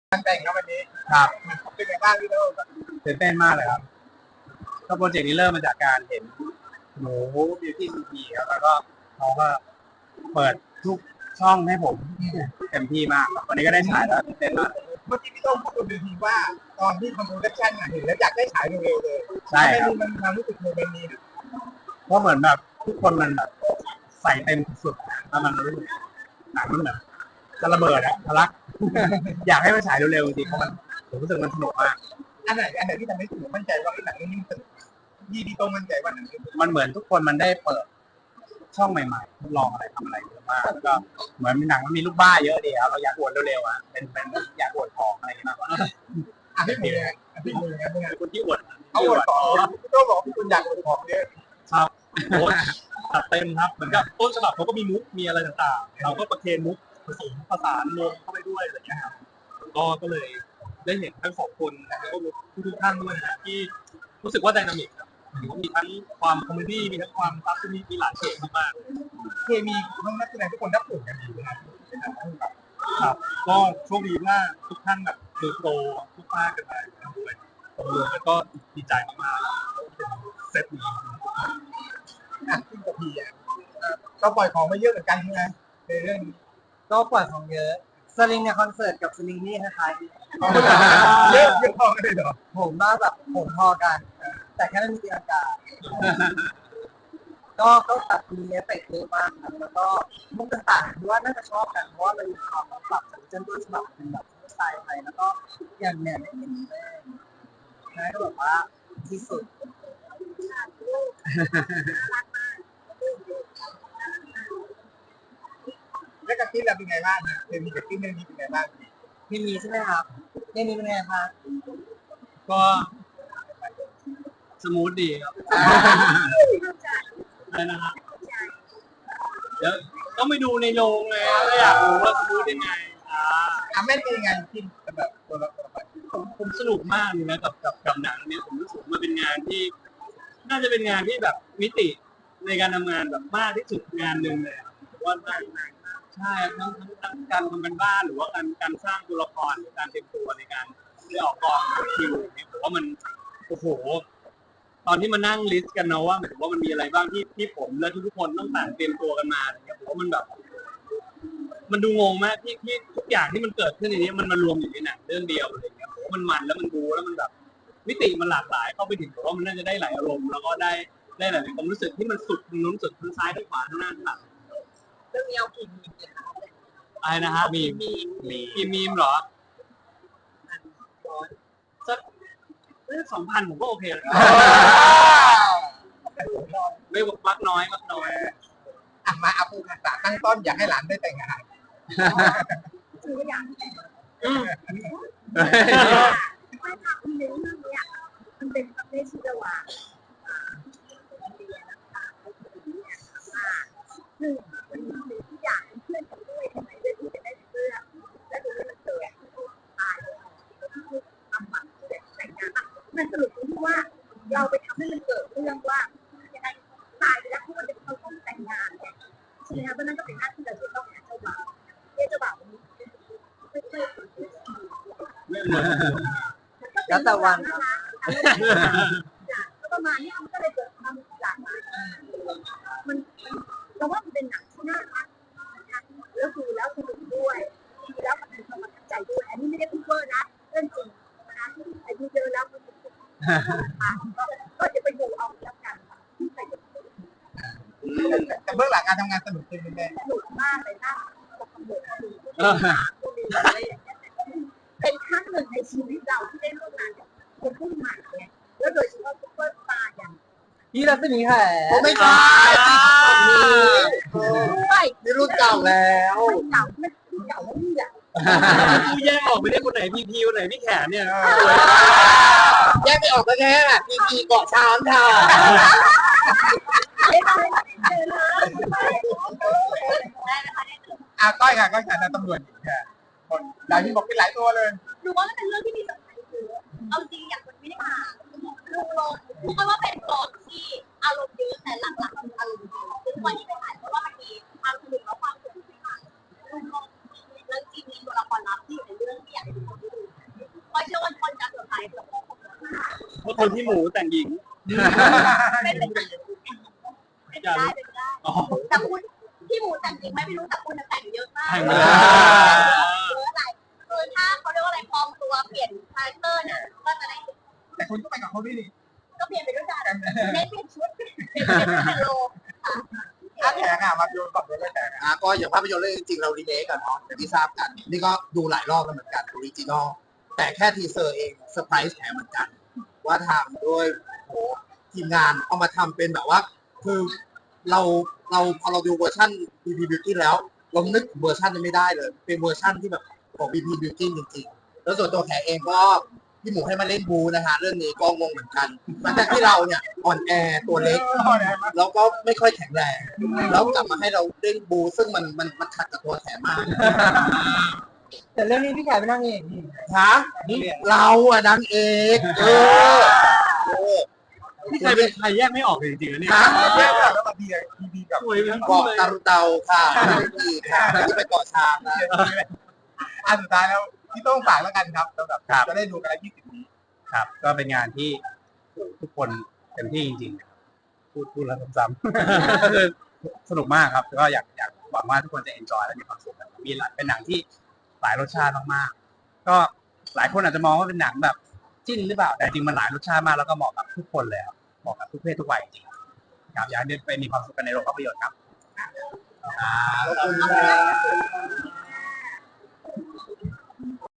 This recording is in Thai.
งแต่งครับวันนี้ครับเป็นไงบ้างพี่โต้ตื่นเต้นมากเลยครับก็โปรเจกต์นี้เริ่มมาจากการเห็นหนูบิวตี้ซีพีครับแล้วก็เขาก็เปิดทุกช่องให้ผมเต็มที่มากครับวันนี้ก็ได้ฉายแล้วตื่นเต้นมากเมื่อกี้พี่โต้พูดบนเวทีว่าตอนที่คอนโทรลเลชั่นเห็นแล้วอยากได้ฉายเร็วๆเลยใช่ครับมันความรู้สึกโมเมนต์นี้เพราะเหมือนแบบทุกคนมันแบบใส่เต็มสุดๆแล้วมันรู้สึกหนังมันแบบจะระเบิดอะทะลัก อยากให้มันฉายเร็วๆจริงๆเพราะมันผมรู้สึกมันสนุกมากอันไหนที่ทำให้ผมมั่นใจว่าหนังเรื่องนี้มันยี่ดีโต้มั่นใจว่าหนังเรื่องนี้มันเหมือนทุกคนมันได้เปิดช่องใหม่ๆทดลองอะไรทำอะไรเยอะมากแล้วก็เหมือนหนังมันมีลูกบ้าเยอะดีครับเราอยากอวดเร็วๆอะเป็นอยากอวดของอะไรอย่างเงี้ยมากกว่าพี่หมูไงพี่หมูไงเป็นไงคนที่อวดเอาอวดของพี่โต้บอกพี่คุณอยากอวดของเยอะครับโอ้จัดเต็มครับเหมือนกับต้นฉบับเขาก็มีมุกมีอะไรต่างๆเราก็ประเคนมุกผสมผสานรวมเข้าไปด้วยอะไรอย่างเงี้ยครับก็เลยได้เห็นทั้งสองคนแล้วก็ทุกท่านด้วยนะที่รู้สึกว่าไดนามิกครับมีทั้งความคอมเมดี้มีทั้งความซับซ้อนมีหลายเฉดมากเคมีทั้งนักแสดงทุกคนรับผลกันดีนะครับๆครับก็โชคดีว่าทุกท่านแบบเติบโตทุกภาคกันมาด้วยแล้วก็ดีใจมากๆเซตนี้ขึ้นกับพี่ก็ปล่อยของมาเยอะเหมือนกันใช่ไหมในเรื่องนี้ก็ปล่อยของเยอะสลิงในคอนเสิร์ตกับสลิงนี่คล้ายเยอะพอกันเลยเหรอๆผมว่าแบบผมพอกัน แต่แค่ไม่มีตีลังกาก็แบบมีเอฟเฟกต์เยอะมากครับแล้วก็มุกต่างๆว่าน่าจะชอบกันเพราะว่ามันมีความแบบปรับจากเจนต้นฉบับเป็นแบบสไตล์ไทยแล้วก็อย่างเนี่ยได้เห็นแม่นะก็แบบว่าที่สุดแล้วกับที่เราเป็นไงบ้างนะเคมีกับที่เรื่องนี้เป็นไงบ้างพี่มีใช่ไหมครับพี่มีเป็นไงครับก็สมูทดีครับอะไรนะครับเดี๋ยวต้องไปดูในโรงเลยครับอยากรู้ว่าสมูทยังไงแม่เป็นยังไงที่แบบตัวละครผมสนุกมากเลยนะกับหนังเนี้ยผมรู้สึกมันเป็นงานที่น่าจะเป็นงานที่แบบมิติในการทำงานแบบมากที่สุดงานหนึ่งเลยว่าใช่ทั้งการทำกันบ้านหรือว่าการสร้างตัวละครหรือการเตรียมตัวในการได้ออกกองคิวเนี่ยผมว่ามันโอ้โหตอนที่มานั่งลิสต์กันนะว่าหมายถึงว่ามันมีอะไรบ้างที่ผมและทุกคนต้องต่างเตรียมตัวกันมาเนี่ยผมว่ามันแบบมันดูงงมากที่ทุกอย่างที่มันเกิดขึ้นในนี้มันมารวมอยู่ในหนังเรื่องเดียวอะไรอย่างเงี้ยผมว่ามันแล้วมันบูแล้วมันแบบมิติมันหลากหลายเข้าไปถึงผมว่ามันน่าจะได้หลายอารมณ์แล้วก็ได้หลายความรู้สึกที่มันสุดทางนู้นสุดทางซ้ายทางขวาทางหน้าทางหลังเรื่องนี้เอากี่มีเนี่ยครับอะไรนะฮะมีมีมเหรอสัก2,000ผมก็โอเคแล้วไม่มักน้อยมาเอาปูกระตั้งต้นอยากให้หลานได้แต่งงานคืออย่างที่ไม่ทำในเรื่องนี้มันเป็นประเภทชีวะเรียนนะคะหนึ่งมันมีทุกอย่างเพื่อนกันด้วยทำไมเรื่องที่จะได้เพื่อนและดูเรื่องเกิดตายทำบัตรแต่งงานมันสรุปที่ว่าเราไปทำให้มันเกิดเรื่องว่ายังไงตายไปแล้วเขาจะเขาต้องแต่งงานเนี่ยใช่ไหมคะเพราะนั่นก็เป็นหน้าที่เราจะต้องหาเจ้าบ่าวเจ้าบ่าวไม่เคยแล้วแต่วันครับก็ประมาณนี้มันก็เลยเกิดความหลากหลายมันเราว่ามันเป็นหนังที่น่ารักแล้วดูแล้วสนุกด้วยดูแล้วมันเป็นความประทับใจด้วยอันนี้ไม่ได้พูดเวอร์นะเรื่องจริงนะอายุเยอะแล้วมันก็จะไปดูเอาแล้วกันแต่เบื้องหลังการทำงานสนุกจริงไหมสนุกมากเลยนะเป็นครั้งหนึ่งในชีวิตเราที่ได้ร่วมงานกับคนรุ่นใหม่เนี่ยแล้วโดยเฉพาะซุปเปอร์สตาร์อย่างพี่รัศมีแขผมไม่ใช่นี่รุ่นเก่าแล้วเก่าไม่เก่าแล้วนี่แหละกูแยกออกไม่ได้คนไหนพีคนไหนพี่แขนเนี่ยแยกไม่ออกก็แค่พีเกาะช้างค่ะก้อยค่ะก้อยค่ะตำรวจค่ะคนดาวที่บอกเป็นหลายตัวเลยดูว่ามันเป็นเรื่องที่มีสำคัญคือเอาจริงอย่างคนไม่ได้มาลุงลงเพราะว่าเป็นกองที่อารมณ์เยอะแต่หลักๆคืออารมณ์เยอะคือวันที่ไปถ่ายเพราะว่ามันมีความสนุกและความสนุกที่มาลุงลงแล้วจริงมีตัวละครลับที่อยู่ในเรื่องที่อยากให้ทุกคนได้ดูเพราะคนที่หมูแต่งหญิงเป็นไปได้เป็นไปได้แต่คุณที่หมูแต่งจริงไหมไม่รู้แต่คุณแต่งเยอะมากแต่งเยมาอะแล้วอะไรคือถ้าเขาเรียกว่าอะไรปลอมตัวเปลี่ยนคาแรคเตอร์เนี่ยก็จะได้แต่คุณก็ไปกับเขาด้วยนี่ก็เปลี่ยนไปด้วยกันเน้นเปลี่ยนชุดเปลี่ยนเป็นโลค่ะอาแขกอ่ะมาโยนก่อนด้วยแขกก็อย่างภาพยนตร์เรื่องจริงๆเรารีเมคกันเนาะอย่างที่ทราบกัน นี่ก็ดูหลายรอบแล้วเหมือนกันออริจินอลแต่แค่ทีเซอร์เองเซอร์ไพรส์แถมเหมือนกัน ว่าทำด้วยโหทีมงานเอามาทำเป็นแบบว่า คือเราพอเราดูเวอร์ชัน BP Beauty แล้ว เรานึกถึงเวอร์ชันนี้ไม่ได้เลย เป็นเวอร์ชันที่แบบของ BP Beauty จริงๆ แล้วส่วนตัวแขกเองก็พี่หมูให้มาเล่นบูนะฮะเรื่องนี้ก็งงเหมือนกันหลังจากที่เราเนี่ยอ่อนแอตัวเล็ก แล้วก็ไม่ค่อยแข็งแรง แล้วกลับมาให้เราเล่นบู ซึ่งมันขัดกับตัวแขกมากแต่เรื่องนี้พี่แขกไม่นั่งเองนี่ฮะเราอะนางเอกนี่ใครเป็นใครแยกไม่ออกเลยจริงๆนะเนี่ยแยกแล้วมาดีกับสวยทั้งเกาะคู่เลยตารุเตาค่ะอีกค่ะที่ไปเกาะช้างนะอันสุดท้ายแล้วพี่ต้องฝากแล้วกันครับสำหรับจะได้ดูกันแล้ว20 นี้ครับ ก็เป็นงานที่ทุกคนเต็มที่จริงๆพูดแล้วซ้ำๆ ก็คือสนุกมากครับก็อยากหวังว่าทุกคนจะเอนจอยและมีความสุขกันมีเป็นหนังที่หลายรสชาติมากๆก็หลายคนอาจจะมองว่าเป็นหนังแบบจิ้นหรือเปล่าแต่จริงมันหลายรสชาติมากแล้วก็เหมาะกับทุกคนเลยครับเหมาะกับทุกเพศทุกวัยจริงๆครับอยากให้ไปมีความสุขกันในโรงภาพยนตร์ครับขอบคุณครับ